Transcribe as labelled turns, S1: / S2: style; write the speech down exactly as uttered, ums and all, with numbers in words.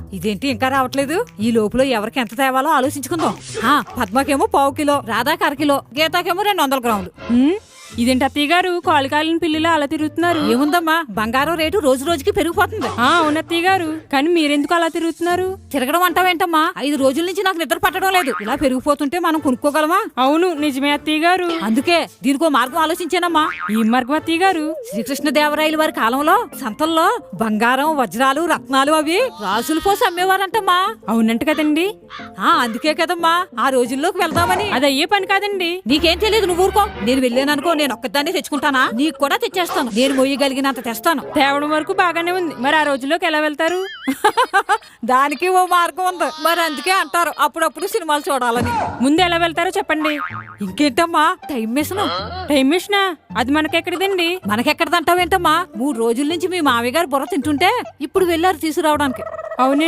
S1: ఇదేంటి ఇంకా రావట్లేదు? ఈ లోపులో ఎవరికి ఎంత తేవాలో ఆలోచించుకుందాం. ఆ పద్మకేమో పావు కిలో, రాధాకి అర కిలో, గీతాకేమో రెండు వందల గ్రాములు.
S2: ఇదేంటి అత్తయ్య గారు కాలు కాలిన పిల్లిలా అలా తిరుగుతున్నారు?
S1: ఏముందమ్మా, బంగారం రేటు రోజు రోజుకి పెరిగిపోతుంది.
S2: ఆ అవును అత్తయ్య గారు, కానీ మీరెందుకు అలా తిరుగుతున్నారు?
S1: తిరగడం అంటావేంటమ్మా? ఐదు రోజుల నుంచి నాకు నిద్ర పట్టడం లేదు. ఇలా పెరిగిపోతుంటే మనం కొనుక్కోగలమా?
S2: అవును నిజమే అత్తయ్య గారు.
S1: అందుకే దీనికో మార్గం ఆలోచించానమ్మా.
S2: ఈ మార్గం అత్తయ్య గారు?
S1: శ్రీకృష్ణదేవరాయల వారి కాలంలో సంతల్లో బంగారం, వజ్రాలు, రత్నాలు అవి రాసులు పోసి అమ్మేవారంటమ్మా.
S2: అవునంట కదండి.
S1: ఆ అందుకే కదమ్మా ఆ రోజుల్లోకి వెళ్దామని.
S2: అది అయ్యే పని కాదండి.
S1: నీకేం తెలియదు, నువ్వు ఊరుకో. నేను వెళ్ళాననుకో, నేను ఒక్కదాన్ని తెచ్చుకుంటానా? నీకు కూడా తెచ్చేస్తాను. నేను మొయ్యగలిగినంత తెస్తాను.
S2: తేవడం వరకు బాగానే ఉంది, మరి ఆ రోజుల్లోకి ఎలా వెళ్తారు?
S1: దానికి ఓ మార్గం ఉంది. మరి అందుకే అంటారు అప్పుడప్పుడు సినిమాలు చూడాలని.
S2: ముందు ఎలా వెళ్తారో చెప్పండి.
S1: ఇంకేంటమ్మా టైం మిషన్?
S2: టైం మిషనా? అది మనకెక్కడిదండి?
S1: మనకెక్కడదంటావేంటమ్మా? మూడు రోజుల నుంచి మీ మామయ్య గారు బుర్ర తింటుంటే ఇప్పుడు వెళ్ళారు తీసుకురావడానికి.
S2: అవునే